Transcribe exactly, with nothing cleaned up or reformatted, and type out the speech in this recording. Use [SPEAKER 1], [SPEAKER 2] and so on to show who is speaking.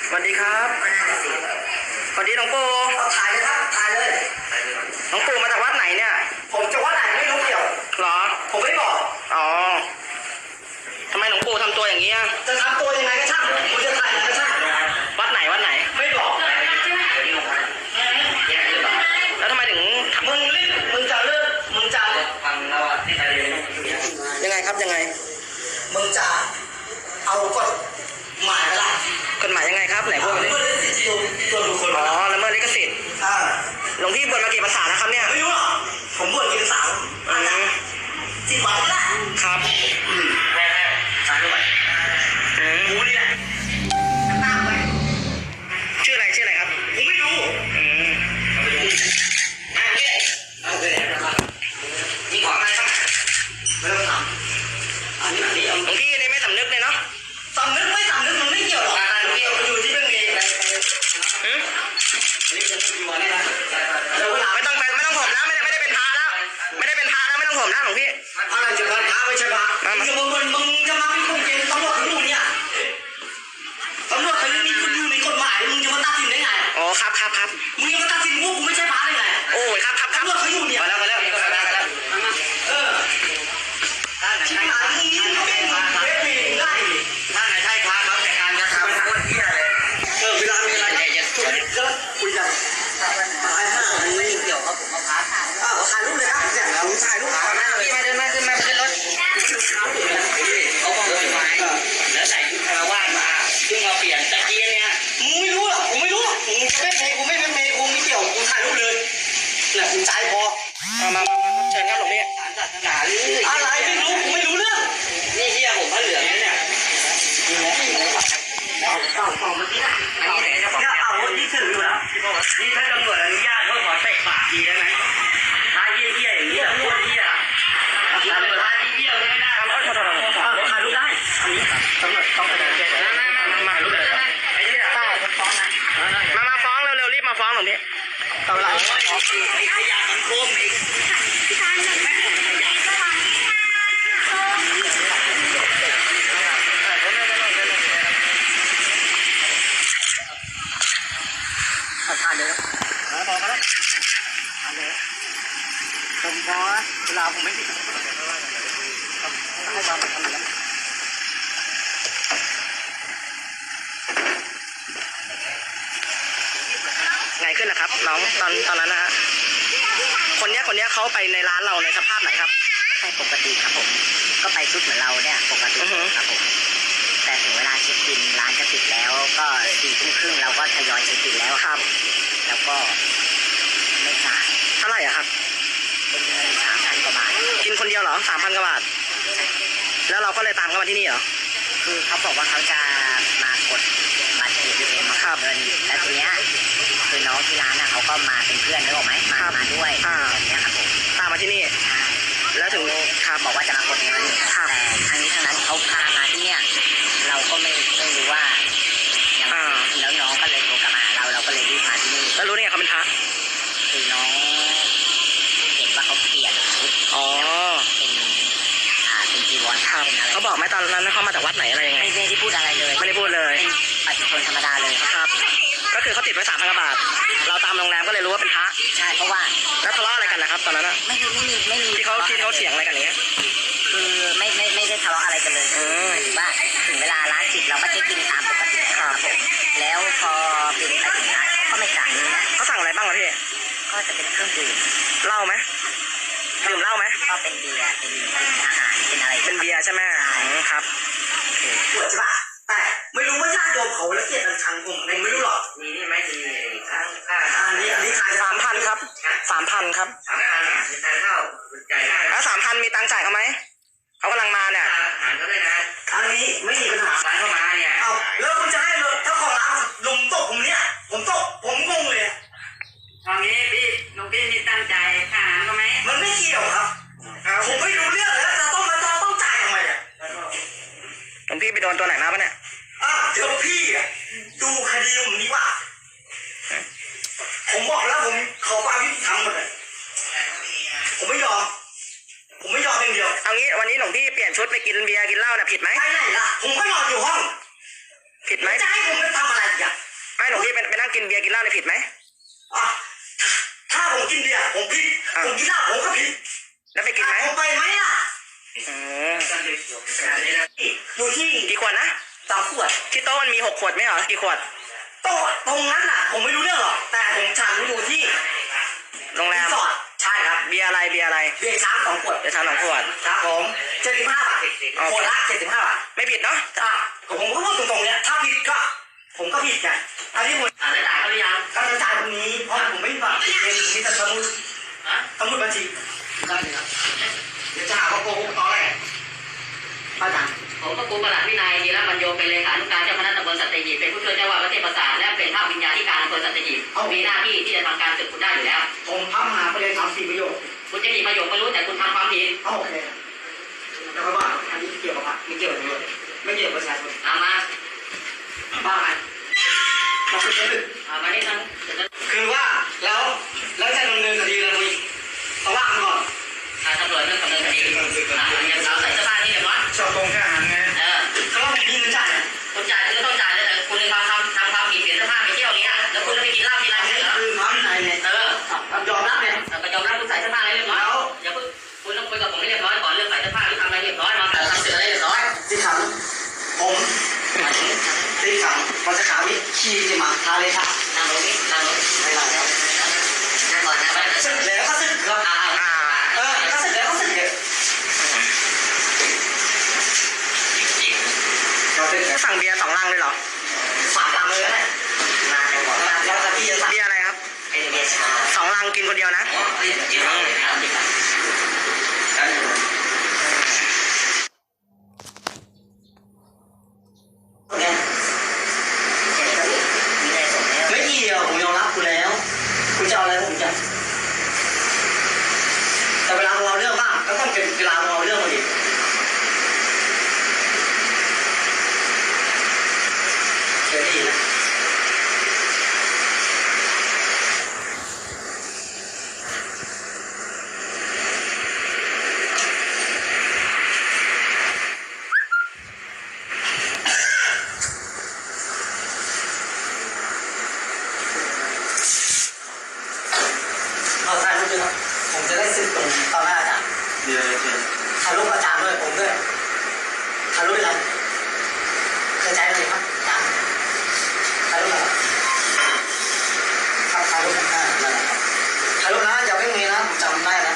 [SPEAKER 1] สวัสดีครับสวัสดีหลวงปู่
[SPEAKER 2] ถ่ายเลยครับถ่ายเลย
[SPEAKER 1] หลวงปู่มาจากวัดไหนเนี่ย
[SPEAKER 2] ผมจะวัดไหนไม่รู้เกี่ยว
[SPEAKER 1] หรอ
[SPEAKER 2] ผมไม่บอก
[SPEAKER 1] อ๋อทำไมหลวงปู่ทำตัวอย่างนี้
[SPEAKER 2] จะทำตัวยังไงก็ช่างคุณจะถ่ายอะไรก็ช่าง
[SPEAKER 1] วัดไหนวัดไหน
[SPEAKER 2] ไม่บอก
[SPEAKER 1] แล้วทำไมถึง
[SPEAKER 2] มึงรีบมึงจะเลิกมึงจะฟังแล้วอ่ะที่ไหน
[SPEAKER 1] ยังไงครับยังไง
[SPEAKER 2] มึงจะเอากฎหมายอะไร
[SPEAKER 1] กฎหมายยังไงครับไหนพูดมาดิอ๋อละเมิดลิขสิทธิ์หลวงพี่บวชมากี่พรรษานะครับเนี่ย
[SPEAKER 2] ไม่รู้หรอกผมบวชกี่พรรษาอาจารย์สิบวันนี่แหละ
[SPEAKER 1] ครับ
[SPEAKER 2] อืมแม่แม่สายด้วยอืมกูนี่แหละตามไป
[SPEAKER 1] ชื่ออะไรชื่ออะไรครับ
[SPEAKER 2] ผมไม่รู้
[SPEAKER 1] อืม
[SPEAKER 2] อ่ะเนี่ยเอาไปไหนนะครับมีของอะไรบ้างไม่ต้องถามอันนี้อันนี้
[SPEAKER 1] หลวงพี่นี่ไม่สำนึกเลยเนาะ
[SPEAKER 2] สำนึกไม่สำนึกมันไม่เกี่ยวหรอกเกี่ยวอยู่ที่เรื่องนี้
[SPEAKER 1] อืม
[SPEAKER 2] นี่จะเป็นวันนี้นะ
[SPEAKER 1] ไม่ต้องไปไม่ต้องผมแล้วไม่ได้ไม่ได้เป็นพระแล้วไม่ได้เป็นพระแล้วไม่ต้องผมแล้วหลวงพี่
[SPEAKER 2] อะไรจะเป็นพระไม่ใช่พระมึงจะมึงมึงจะมาเป็นคนเก่งตำรวจเขาอยู่เนี่ยตำรวจเขายังมีคุณอยู่ในกฎหมายมึงจะมาตัดสินได้ไง
[SPEAKER 1] อ๋อครับครับครับ
[SPEAKER 2] มึงจะมาตัดสินว่ากูไม่ใช่พระได้ไง
[SPEAKER 1] โอ้ยครับครับ
[SPEAKER 2] ตำรวจเขาอยู่เนี่ย
[SPEAKER 1] มาแล้วมาแล้วมาแล้วมาแล้ว
[SPEAKER 2] เออชิบหายมึงนี่มึงเป็นมึงเป็นมีได้
[SPEAKER 1] ถ้าไหนใช่พระครับแต่การกระทำโคตรเหี้ยเลย
[SPEAKER 2] เออเวลามีอะไรก็คุยกันตายห้า
[SPEAKER 1] ไม่เกี่ยวครับผมมาพัก
[SPEAKER 2] อ้าวถ่ายรูปเลยครับเนี่ยผมถ่ายรูปก่อนหน้า
[SPEAKER 1] พี่มาเดินมาขึ้นมาขึ้นรถเขาบอกเลยไม้แล้วใส่ชุดคารวะมาซึ่งเราเปลี่ยนตะกี้เนี่ย
[SPEAKER 2] มึงไม่รู้หรอกผมไม่รู้มึงจะเป็นเมย์กูไม่เป็นเมย์กูไม่เกี่ยวกูถ่ายรูปเลยเนี่ยกูใจพอ
[SPEAKER 1] มามามาเชิญครับหลวงพี่
[SPEAKER 2] อะไรไม่รู้กูไม่รู้เรื่อง
[SPEAKER 1] นี่เฮียผมพระเหลืองเนี่ย
[SPEAKER 2] เต่าเต่าเต่าเมื่อกี้นะ
[SPEAKER 1] อันนี้เนี่ยเจ้าของ
[SPEAKER 2] เต่าเมื่อกี้ถืออยู่แล้ว
[SPEAKER 1] นี่ถ้าตำรวจอนุญาตเขาขอเตะปากทีได้ไหมท้าเยี่ยเยี่ยอย่างนี้โคตรเยี่ยตำรวจท้าเยี่ยไม่ได้ทำเอาถอดถอดถอด
[SPEAKER 2] ถ่ายรูปได้อันนี้ตำรวจต้องไปเจอกัน
[SPEAKER 1] มามามามาไอ้เนี่ย
[SPEAKER 2] ใช่ฟ้องนะ
[SPEAKER 1] มามาฟ้องเร็วๆรีบมาฟ้องหลวงพี่
[SPEAKER 2] ตำรวจ
[SPEAKER 1] ไอ้ขยะมันโคมอีก
[SPEAKER 2] ทานเลยนะพอกันแล้วทานเลยผมพอเวลาผมไม่ติดให้ความสำคัญแล้ว
[SPEAKER 1] ไงขึ้นนะครับน้องตอนตอนนั้นนะฮะคนนี้คนนี้เขาไปในร้านเราในสภาพไหนครับ
[SPEAKER 3] ไปปกติครับผมก็ไปชุดเหมือนเราเนี่ยปกติครับผมแต่ถึงเวลาเช็คบินร้านจะปิดแล้วก็สี่ทุ่มครึ่งเราก็ทยอยเช็คบินแล้วครับแล้วก็ไม่จ่าย
[SPEAKER 1] เท่าไหร่อะครับ
[SPEAKER 3] เป็นเงินสามพันกว่าบาท
[SPEAKER 1] กินคนเดียวเหรอสามพันกว่าบาทแล้วเราก็เลยตามเขามาที่นี่เหรอ
[SPEAKER 3] คือเขาบอกว่าเขาจะมากดบัตร เอ ที เอ็ม มาเงินแล้วทีเนี้ยคือน้องที่ร้านน่ะเขาก็มาเป็นเพื่อนนึกออกไหมมามาด้วยอย่างเงี้ยครับผม
[SPEAKER 1] ตามมาที่นี่
[SPEAKER 3] ใช่
[SPEAKER 1] แล้วถึง
[SPEAKER 3] ครับบอกว่าจะมากดเงินแต่ทางนี้ทางนั้นเขาพามาที่เนี่ยเราก็ไม่ไม่รู้ว่าอย่างแล้วน้องก็เลยโทรกลับมาหาเราเราก็เลยรีบมาที่นี่
[SPEAKER 1] แล้วรู้ได้ไงเขาเป็นพระ
[SPEAKER 3] คือน้องเห็นว่าเขาเปลี่ยนชุด
[SPEAKER 1] อ๋อ
[SPEAKER 3] เป็นอ่าเป็นจีวร
[SPEAKER 1] ครับเขาบอกไหมตอนนั้นเขามาจากวัดไหนอะไรยังไง
[SPEAKER 3] ไม่ได้พูดอะไรเลย
[SPEAKER 1] ไม่ได้พูดเลย
[SPEAKER 3] เป็นปฏิชนธรรมดาเลย
[SPEAKER 1] ครับก็คือเขาติดไว้สามพันกว่าบาทเราตามโรงแรมก็เลยรู้ว่าเป็นพระ
[SPEAKER 3] ใช่เพราะว่า
[SPEAKER 1] แล้วทะเลาะอะไรกันนะครับตอนนั้นอะ
[SPEAKER 3] ไม่ไม่มีไม่มี
[SPEAKER 1] ที่เขาที่เขาเสียงอะไรกันอย่างเงี้ย
[SPEAKER 3] คือไม่ไม่ไม่ได้ทะเลาะอะไรกันเลยหมายถึงว่าถึงเวลาร้านปิดเราก็เช็คบินตามปกติครับผมแล้วพอบินไปถึงร้านเขาก็ไม่จ่าย
[SPEAKER 1] เขาสั่งอะไรบ้างวะพี่
[SPEAKER 3] ก็จะเป็นเครื่องดื่ม
[SPEAKER 1] เหล้าไหมดื่มเหล้าไหม
[SPEAKER 3] ก็เป็นเบียร์เป็นเป็นอาหารเป็นอะไร
[SPEAKER 1] เป็นเบียร์ใช่ไหมครับ
[SPEAKER 2] ปวดใช่ปะแต่ไม่รู้ว่าญาติโยมเขาละเกียดอันชังผมเองไม่รู้หรอก
[SPEAKER 1] นี่นี่ไม่มีค่าค่า
[SPEAKER 2] อันนี้อันนี้ขาย
[SPEAKER 1] สามพันครับสามพันครับ
[SPEAKER 2] สามพันมีทานข้าวจ่ายได้
[SPEAKER 1] แล้วสามพันมีตังค์จ่ายเขาไหมเขากำลังมาเนี่ย
[SPEAKER 2] อาหารก็ได้นะอันนี้ไม่มีปัญหา
[SPEAKER 1] ร้านเข้ามาเนี่ย
[SPEAKER 2] เอาแล้วคุณจะให้เลยถ้าของร้านลุมตกผมเนี่ยผมตกผมงงเลย
[SPEAKER 1] ตอนนี้พี่น้องพี่มีตังค์จ่ายค่าอาหารเขาไหม
[SPEAKER 2] มันไม่เกี่ยวครับผมไม่รู้เรื่องแล้วจะต้องมาต้องต้องจ่ายทำไมอ่ะ
[SPEAKER 1] หลวงพี่ไปโดนตัวไหนมาปะเนี่ย
[SPEAKER 2] อ่ะเดี๋ยวพี่อ่ะดูคดีผมนี้ว่าผมบอกแล้วผมขอความยุติธรรมหมดเลยผมไม่ยอมผมไม่ยอมเพียงเดียว
[SPEAKER 1] เอางี้วันนี้หลวงพี่เปลี่ยนชุดไปกินเบียร์กินเหล้าเนี่ยผิดไหม
[SPEAKER 2] ไปไหนล่ะผมก็นอนอยู่ห้อง
[SPEAKER 1] ผิดไหม
[SPEAKER 2] จะให้ผมไปทำอะไรอ่ะ
[SPEAKER 4] นั่งกินเบียร์กินเหล้าเนี่ยผิดไหม
[SPEAKER 2] อ่ะถ้าผมกินเบียร์ผมผิด
[SPEAKER 4] อ่ะ
[SPEAKER 2] ผมกินเหล้าผมก็ผิด
[SPEAKER 4] แล้วไปกินไหม
[SPEAKER 2] ผมไปไหมล่ะ
[SPEAKER 4] อืม
[SPEAKER 2] อยู่ที่
[SPEAKER 4] กี่ขวดนะ
[SPEAKER 2] สามขวด
[SPEAKER 4] ที่โต๊ะมันมีหกขวดไหมเหรอกี่ขวด
[SPEAKER 2] โต๊ะตรงนั้นน่ะ ผมไม่รู้เรื่องหรอกแต่ผมฉันอยู่ที่
[SPEAKER 4] โรงแร
[SPEAKER 2] รี
[SPEAKER 4] ม
[SPEAKER 2] สอร์ทใช่ครับ
[SPEAKER 4] เบียร์อะไรเบียร์อะไร
[SPEAKER 2] เบียร์ช้างสองขวด
[SPEAKER 4] เบียร์ชาสองขวด
[SPEAKER 2] ครับผมเจ็ดสิบห้าบาทขวดละเจ็ดสิบห้าบาท
[SPEAKER 4] ไม่ผิดเนาะ
[SPEAKER 2] อ่ะผมก็พูดตรงๆเนี่ยถ้าผิดก็ผมก็ผิดไงอันนี้ผม
[SPEAKER 1] อ่าได้จ่ายเขาหรือยัง
[SPEAKER 2] ก็จะจ่ายตรงนี้เพราะผมไม่มีบัตรเงินมีแต่สมุด
[SPEAKER 1] ฮะ
[SPEAKER 2] สมุดบัญชีได้เลยครับเดี๋ยวจะหาว่าโกหกตอนแรกป้าจัง
[SPEAKER 1] ผมก็ครูประหลัดวินัยธีระบรรโยเป็นเลขานุการเจ้าคณะตำบลสัตหีบเป็นผู้ช่วยเจ้าว่าประเทศประสาทและเป็นภาพวิญญาธิการอำเภอสัตหีบมีหน้าที่ที่จะทำการสืบคุณได้อยู่แล้ว
[SPEAKER 2] ผมพัมหาไปเลยสามสี่ประโยค
[SPEAKER 1] คุณจะมีประโยชน์ไม่รู้แต่คุณทำความผิด
[SPEAKER 2] เอาโอเคแต่ว่าอันนี้เกี่ยวกับพระไม่เกี่ยวกับตำรวจไม่เกี่ยวกับประชาชน
[SPEAKER 1] เอามา
[SPEAKER 2] บ้าไงเราคือจะดึก
[SPEAKER 1] เอามานี่ทั้ง
[SPEAKER 2] คือว่าแล้วแล้วจะดำเนินคดีอะไรอีกต้องว่ากันก่อน
[SPEAKER 1] อ่าตำรวจเรื่องดำเนินคดีอ่าอย่างเราใส่เสื้อผ้านี่เรียบร้อย
[SPEAKER 2] ชอบตรงแค่อาหารไง
[SPEAKER 1] เออ
[SPEAKER 2] เขาว่าผมมีเงินจ่าย
[SPEAKER 1] คุณจ่ายคุณก็ต้องจ่ายเลยแต่คุณในความทำทำความผิดเปลี่ยนเสื้อผ้าไปเที่ยวเนี้ยแล้วคุณจะไปกินเหล้ากินอะไรไม่ใช่เหรอ
[SPEAKER 2] คือความในเนี่ย
[SPEAKER 1] เออ
[SPEAKER 2] ยอมรับเนี่ย
[SPEAKER 1] ก็ยอมรับคุณใส่เสื้อผ้าอะไรเรียบร้อยอย่าเพิ่งคุณต้องคุยกับผมให้เรียบร้อยก่อนเรื่องใส่เสื้อผ้าหรือทำอะไรเรียบร้อยมาทำเสร็จอะไรเรียบร้อย
[SPEAKER 2] ที่ขังผมที่ขังมันจะขาวิขี่จะมาทาเลยค่ะ
[SPEAKER 1] นั่งลงนี่นั่งลง
[SPEAKER 2] ไม่ได้แล้ว
[SPEAKER 1] นั่งก่อนนะไป
[SPEAKER 2] สึกแล้วก็สึกครับ
[SPEAKER 1] อ่า
[SPEAKER 4] อ่า
[SPEAKER 2] เออก็สึกแล้วก็สึกเลยเราเป็น
[SPEAKER 4] สั่งเบียร์สองลังเลยเหรอ
[SPEAKER 2] สามลำเลยนะมาแต่บอกว่าแล้วจะพี่จะสั่ง
[SPEAKER 4] เบียร์อะไรครับ
[SPEAKER 2] เป็นเบียร์ชา
[SPEAKER 4] สองลังกินคนเดียวนะ
[SPEAKER 1] กินเหล้าเลยนะกินเหล้า
[SPEAKER 2] ไม่เกี่ยวผมยอมรับคุณแล้วคุณจะเอาอะไรผมจะแต่เวลาเราเรื่องบ้างก็ต้องเป็นเวลาเราเรื่องมาดิเคยได้ยินไหมเอาถ่ายรูปด้วยครับผมจะได้สึกตรงต่อหน้าอาจารย์
[SPEAKER 5] เดี๋ยวเดี๋ยว
[SPEAKER 2] ถ่ายรูปอาจารย์ด้วยผมด้วยถ่ายรูปเป็นไรเคยใจเลยครับอาจารย์ถ่ายรูปอะไรครับถ่ายรูปอ่านั่นแหละครับถ่ายรูปนะอย่าเพิ่งมีนะผมจำได้นะ